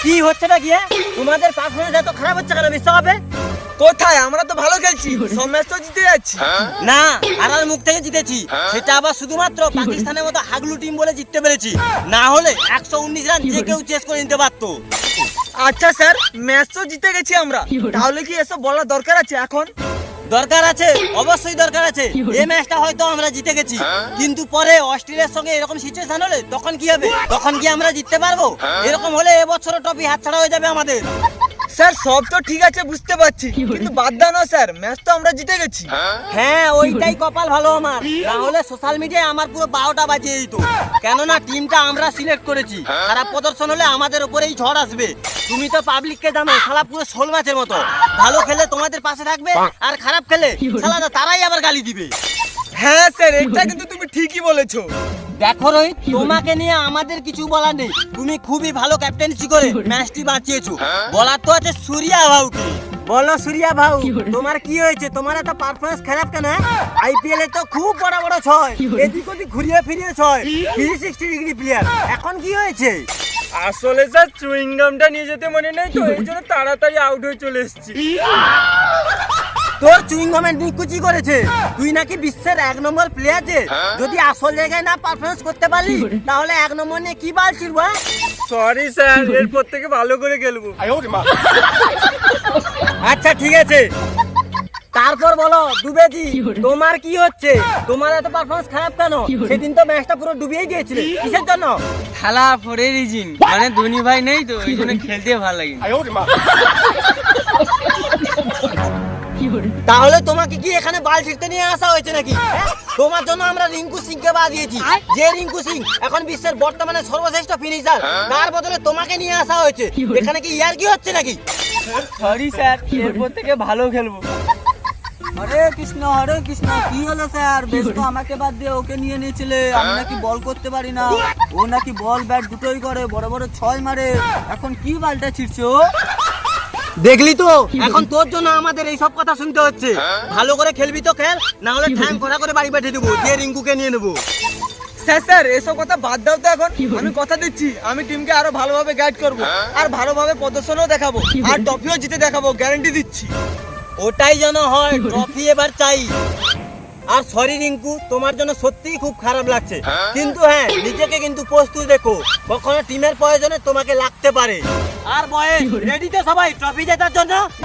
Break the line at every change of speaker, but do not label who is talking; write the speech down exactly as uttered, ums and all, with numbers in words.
কি হচ্ছেটা কি? তোমাদের পারফরম্যান্স এত খারাপ হচ্ছে কেন বিশ্বকাপে?
কোথায়? আমরা তো ভালো খেলছি, সব ম্যাচ তো জিতে যাচ্ছি।
না, হারার মুখ থেকে জিতেছি, সেটা আবার শুধুমাত্র পাকিস্তানের মতো হাগলু টিম বলে জিততে পেরেছি। না হলে একশো উনিশ রান যে কেউ চেস করে নিতে পারতো।
আচ্ছা স্যার, ম্যাচ তো জিতে গেছি আমরা, তাহলে কি এসব বলার দরকার আছে এখন?
দরকার আছে, অবশ্যই দরকার আছে। এই ম্যাচটা হয়তো আমরা জিতে গেছি, কিন্তু পরে অস্ট্রেলিয়ার সঙ্গে এরকম সিচুয়েশন হলে তখন কি হবে? তখন কি আমরা জিততে পারবো? এরকম হলে এবছর ট্রফি হাতছাড়া হয়ে যাবে আমাদের।
স্যার সব তো ঠিক আছে, বুঝতে পারছি, কিন্তু বাদ দাও না স্যার, ম্যাচ তো আমরা জিতে গেছি।
হ্যাঁ, ওইটাই কপাল ভালো আমার, না হলে সোশ্যাল মিডিয়ায় আমার পুরো বারোটা বাজিয়ে দিত। কেননা টিমটা আমরা সিলেক্ট করেছি, খারাপ প্রদর্শন হলে আমাদের উপরেই ঝড় আসবে। তুমি তো পাবলিককে জানো, শালা পুরো শোল মাছের মতো। ভালো খেলে তোমাদের পাশে থাকবে, আর খারাপ খেলে শালা তারাই আবার গালি দিবে।
হ্যাঁ স্যার, এটা কিন্তু তুমি ঠিকই বলেছো।
দেখো রোহিত, তোমাকে নিয়ে আমাদের কিছু বলার নেই। তুমি খুবই ভালো ক্যাপ্টেন্সি করে ম্যাচটি বাঁচিয়েছো। বলার তো আছে সূর্যা ভাউকে। বলো সূর্যা ভাউ, তোমার কি হয়েছে? তোমার এত পারফরম্যান্স খারাপ কেন? আইপিএল এ তো খুব বড় বড় ছয়, এদিক ওদিক ঘুরিয়ে ফিরিয়ে ছয়, থ্রি সিক্সটি ডিগ্রি প্লেয়ার। এখন কি হয়েছে?
আসলে স্যার চুইংগামটা নিয়ে যেতে মনে নেই তো, এই জন্য তাড়াতাড়ি আউট হয়ে চলে এসেছি।
তোর চুইংগমের নিকুচি করেছে। তুই নাকি বিশ্বের এক নম্বর প্লেয়ার, যে যদি আসল জায়গায় না পারফরমেন্স করতে পারলি তাহলে এক নম্বর নিয়ে কি বাল ছিল?
সরি স্যার, এরপর থেকে ভালো করে খেলবো।
আচ্ছা ঠিক আছে, তারপর বলো দুবেজি, তোমার কি হচ্ছে? তোমার এত পারফরমেন্স খারাপ কেন? সেদিন তো ম্যাচটা পুরো ডুবিয়ে গিয়েছিলে, কিসের জন্য?
খেলা ফরে রিজিন, মানে ধোনি ভাই নেই তো, এই জন্য খেলতে ভালো লাগে।
তাহলে তোমাকে কি এখানে বাল ছিটতে নিয়ে আসা হয়েছে নাকি? হ্যাঁ? তোমার জন্য আমরা রিঙ্কু সিং কে বাদ দিয়েছি, যে রিঙ্কু সিং এখন বিশ্বের বর্তমানে সর্বশ্রেষ্ঠ ফিনিশার, তার বদলে তোমাকে নিয়ে আসা হয়েছে। এখানে কি ইয়ার কি হচ্ছে নাকি?
সরি স্যার, এরপর থেকে ভালো খেলবো।
হরে কৃষ্ণ হরে কৃষ্ণ। কি হলো স্যার? বেশ তো আমাকে বাদ দিয়ে ওকে নিয়ে নিয়েছিলে। আমি নাকি বল করতে পারি না, ও নাকি বল ব্যাট দুটোই করে, বড় বড় ছয় মারে। এখন কি বালটা ছিড়ছো?
দেখলি তো, এখন তোর জন্য আমাদের এই সব কথা শুনতে হচ্ছে। ভালো করে খেলবি তো খেল, না হলে ঠ্যাং খোঁড়া করে বাড়ি পাঠিয়ে দেবো, দিয়ে রিঙ্কুকে নিয়ে নেবো।
স্যার স্যার এসব কথা বাদ দাও তো এখন। আমি কথা দিচ্ছি, আমি টিমকে আরো ভালোভাবে গাইড করব, আর ভালোভাবে প্রদর্শনও দেখাবো, আর ট্রফিও জিতে দেখাবো, গ্যারান্টি দিচ্ছি।
ওটাই যেন হয়, ট্রফি এবার চাই। আর সরি রিঙ্কু, তোমার জন্য সত্যিই খুব খারাপ লাগছে, কিন্তু হ্যাঁ, নিজেকে কিন্তু প্রস্তুত দেখো, কখনো টিমের প্রয়োজনে তোমাকে লাগতে পারে। আর বয়েস রেডি তো সবাই ট্রফি জেতার জন্য?